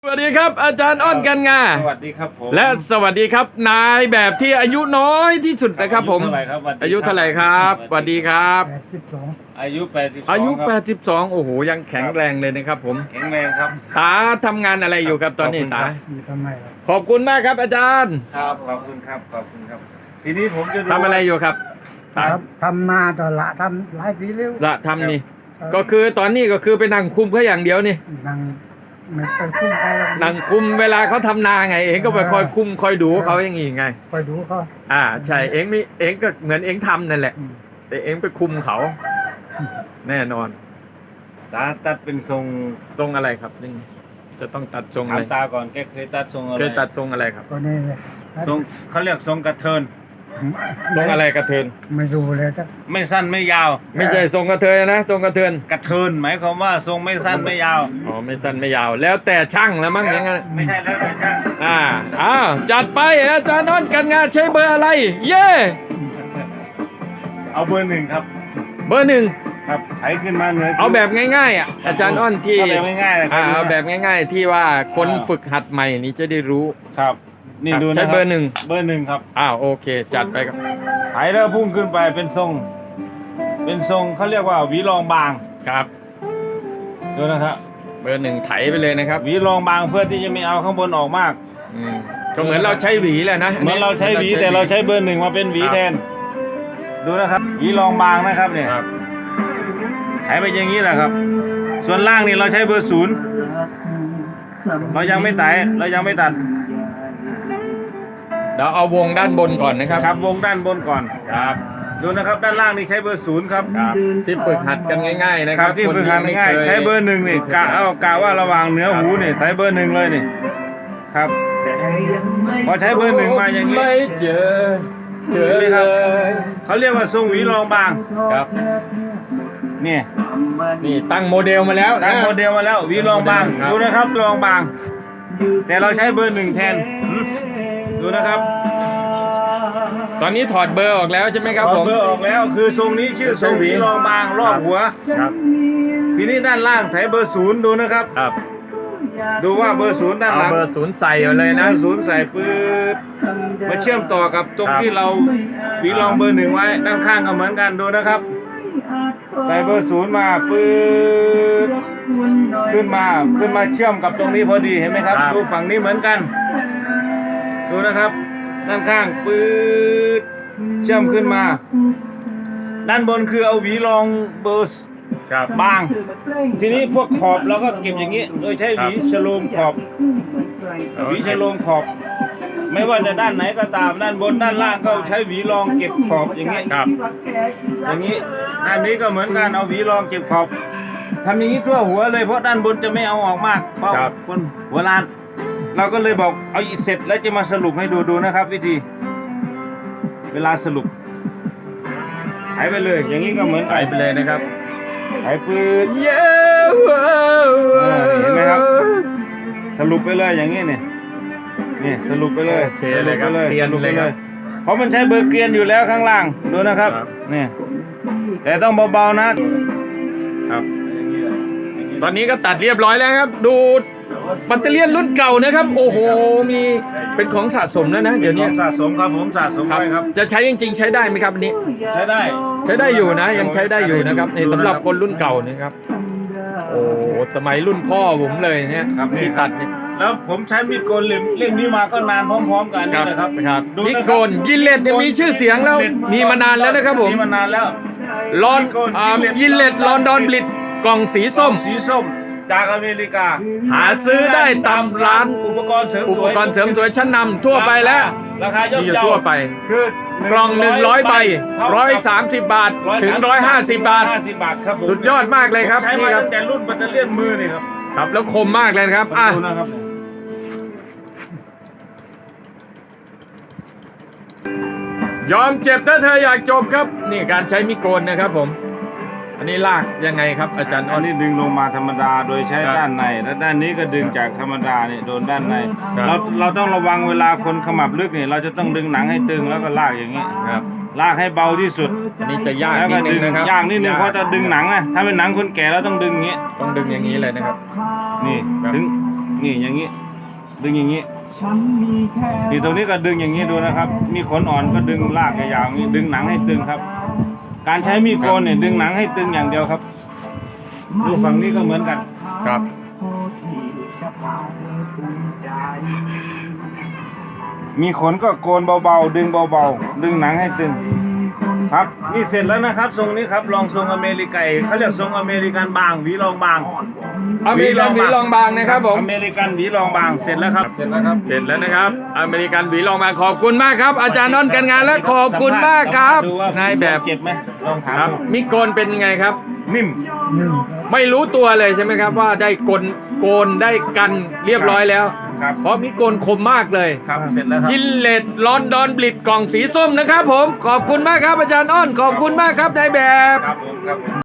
สวัสดีครับอาจารย์อ้อนกันงาสวัสดีครับผมและสวัสดีครับนายแบบที่อายุน้อยที่สุดนะครับผมอายุเท่าไหร่ครับสวัสดีครับอายุ82 อายุครับ 82โอ้โหยังแข็งแรงเลยนะครับผมแข็งแรงครับตาทำงานอะไรอยู่ครับตอนนี้ตาทำไมล่ะขอบคุณมากครับอาจารย์ครับขอบคุณครับขอบคุณครับทีนี้ผมจะดูทำอะไรอยู่ครับตาทำนาต่อละทำหลายปีแล้วละทำนี่ก็คือตอนนี้ก็คือไปนั่งคุมเขาอย่างเดียวนี่นั่งไม่ไปคุ้มใครหรอกนั่งคุมเวลาเขาทำนาไงเองก็ไปคอยคุมคอยดูเขาอย่างงี้ไงไปดูเขาใช่เองไม่เองก็เหมือนเองทำนั่นแหละ แต่เองไปคุมเขา แน่นอนตาตัดเป็นทรงทรงอะไรครับนี่จะต้องตัดทรงอะถามไรตาก่อนแกเคยตัดทรงอะไรเคยตัดทรงอะไรครับก็นี่เลยทรงเขาเรียกทรงกระเทินทรงอะไรกระเทินไม่ดูเลยจ้ะไม่สั้นไม่ยาวไม่ใช่ทรงกระเทยนะทรงกระเทินกระเทินหมายความว่าทรงไม่สั้นไม่ยาวอ๋อไม่สั้นไม่ยาว แล้วแต่ช่างแล้วมั้งอย่างนั้นไม่ใช่แล้วแต่ช่างอ้าวจัดไปอาจารย์นนท์กันงานใช้เบอร์อะไร เย่เอาเบอร์หนึ่งครับเบอร์หนึ่งครับไถขึ้นมาเหนือเอาแบบง่ายๆอาจารย์อ้อนที่เอาแบบง่ายๆเลยครับเอาแบบง่าย ๆ ที่ว่าคนฝึกหัดใหม่นี้จะได้รู้ครับนี่ดูนะใช้คเบอร์หนึ่งเบอร์หนึ่งครับโอเค จัดไปครับไถแล้วพุ่งขึ้นไปเป็นทรง เป็นทรงเขาเรียกว่าหวีรองบางครับดูนะครับเบอร์หนึ่งไถไปเลยนะครับหวีรองบางเพื่อที่จะไม่เอาข้างบนออกมากก็เหมือนเราใช้หวีแหละนะเหมือนเราใช้หวีแต่เราใช้เบอร์หนึ่งมาเป็นหวีแทน ดูนะครับหวีรองบางนะครับเนี่ยครับไถไปอย่างนี้แหละครับ ส่วนล่างนี่เราใช้เบอร์ศูนย์เรายังไม่ไถเรายังไม่ตัดเดี๋ยวเอาวงด้านบนก่อนนะครับครับวงด้านบนก่อนครับดูนะครับด้านล่างนี่ใช้เบอร์ศูนย์ครับครับที่ฝึกหัดกันง่าย ๆ นะคครัรับบ ที่ฝึกหัดง่ายๆใช้เบอร์หนึ่งนี่กะว่าระหว่างเหนือหูนี่ใช้เบอร์หนึ่งเลยนี่ครับ พอใช้เบอร์หนึ่งมาอย่างนี้ไม่เจอเลยเขาเรียกว่าทรงหวีรองบางครับนี่นี่ตั้งโมเดลมาแล้วตั้งโมเดลมาแล้วหวีรองบางครับดูนะครับรองบาง แต่เราใช้เบอร์หนึ่งแทนดูนะครับตอนนี้ถอดเบอร์ออกแล้วใช่ไหมครับพผอมเบอร์ออกแล้วคือทรงนี้ชื่อทรงหวีรองบางรอบหัวครับทีนี้ด้านล่างใช้เบอร์ศูนย์ดูนะครับครับดูว่าเบอร์ศูนย์ด้านหเอาลังเบอร์ศูนย์ใส่เอาเลยนะศูนย์ใส่ปื๊ดมาเชื่อมต่อกับตรงครับที่เราหวีรองเบอร์หนึ่งไว้ด้านข้างก็เหมือนกันดูนะครับ ใส่เบอร์ศูนย์มาปื๊ดขึ้นมาเชื่อมกับตรงนี้พอดีเห็นไหมครับดูฝั่งนี้เหมือนกัน ดูนะครับ ด้านข้างปื๊ดเชื่อมขึ้นมา ด้านบนคือเอาหวีรองเบอร์ครับบาง ทีนี้พวกขอบเราก็เก็บอย่างนี้ โดยใช้หวีฉโลมขอบหวีฉโลมขอบ ไม่ว่าจะด้านไหนก็ตามด้านบนด้านล่างก็ใช้หวีรองเก็บขอบอย่างนี้ครับอย่างนี้ด้านนี้ก็เหมือนกันเอาหวีรองเก็บขอบทำอย่างนี้ทั่วหัวเลยเพราะด้านบนจะไม่เอาออกมากเพราะคนหัวล้าน เราก็เลยบอกเอาอีเสร็จแล้วจะมาสรุปให้ดูนะครับ วิธี เวลาสรุปหายไปเลย อย่างนี้ก็เหมือนใส่ไปเลยนะครับหายปืดเย้เห็นไหมครับ สรุปไปเลยอย่างนี้เนี่ยนี่สรุปไปเลยโอเคเลยครับสรุปไปเรียนสรุปเลไปยครับเพราะมันใช้เบอร์เกรียนอยู่แล้วข้างล่างดูนะครับครับนี่แต่ต้องเบาๆนะครับ ตอนนี้ก็ตัดเรียบร้อยแล้วครับ ดูแบตเตอรี่รุ่นเก่านะครับ โอ้โหมีเป็นของสะสมแล้วนะเดี๋ยวนี้สะสมครับผมสะสมครับไว้ครับจะใช้จริงๆ ใช้ได้ไหมครับอันนี้ใช้ได้ใช้ได้อยู่นะ ยังใช้ได้อยู่นะครับในสำหรับคนรุ่นเก่านะครับ โอ้สมัยรุ่นพ่อผมเลยเนี่ยครับที่ตัดเนี่ยแล้วผมใช้มีดโกนเล่มนี้มาก็นานพร้อมๆกันคนี่รับแหละครับครับดูนินะครับโกนยินเลตเนี่ยมีชื่อเสียงแล้วมีมานานแล้วนะครับผมมีมานานแล้วลอนยินเลตลอนดอนบลิดกล่องสีส้มสีส้มจากอเมริกาหาซื้อได้ตามร้านอุปกรณ์เสริมอุสปวยกรณ์เสริมสวยชั้นนำทั่วไปแล้วราคาย่อมมีอยู่เยาทั่วไปคือกล่อง100ใบ130 บาทถึง150 บาท 150 บาทครับผมสุดยอดมากเลยครับใช้นี่มาครับตั้งแต่รุ่นแบตเตอรี่มือนี่ครับครับแล้วคมมากเลยนะครับอ่ะดูนะครับยอมเจ็บถ้าเธออยากจบครับ นี่การใช้มิโกนนะครับผม อันนี้ลากยังไงครับอาจารย์อ้อัอน นนี้ดึงลงมาธรรมดาโดยใช้ครับด้านในและด้านนี้ก็ดึงจากธรรมดาเนี่ยโดนด้านในครับเราต้องระวังเวลาคนขมับลึกเนี่ยเราจะต้องดึงหนังให้ตึงแล้วก็ลากอย่างนี้ครับลากให้เบาที่สุดอันนี้จะยากแล้วนิก็ดนึดึงงนะครับยากนิดนึงเพราะจะดึงหนังนะถ้าเป็นหนังคนแก่เราต้องดึงอย่างนี้ต้องดึงอย่างนี้เลยนะครับนี่ครับถึงนี่อย่างนี้ ดึงอย่างนี้นี่ตรงนี้ก็ดึงอย่างนี้ดูนะครับ มีขนอ่อนก็ดึงลากยาวๆอย่างนี้ดึงหนังให้ตึงครับ การใช้มีดโกนเนี่ยดึงหนังให้ตึงอย่างเดียวครับ ดูฝั่งนี้ก็เหมือนกันครับมีขนก็โกนเบาๆดึงเบาๆดึงหนังให้ตึง ครับนี่เสร็จแล้วนะครับทรงนี้ครับลองทรงอเมริกันเขาเรียกทรงอเมริกันบางหวีรองบางอเมริกันหวีรองบางนะครับผมอเมริกันหวีรองบางเสร็จแล้วครับเสร็จแล้วครับเสร็จแล้วนะครับ อเมริกันหวีรองบางขอบคุณมากครับ อาจารย์นนท์กันงานและขอบคุณมากครับดูว่นายแบบเจ็บไหมลองถามครับดูมิโกนเป็นยังไงครับนิ่มหนึ่งไม่รู้ตัวเลยใช่ไหมครับว่าได้โกนได้กันเรียบร้อยแล้วครับเพราะมิโกนคมมากเลยครับเสร็จแล้วครับกินเลดลอนดอนบลิดกล่องสีส้มนะครับผมขอบคุณมากครับอาจารย์อ้อนขอบคุณมากครับนายแบบครับผมครับ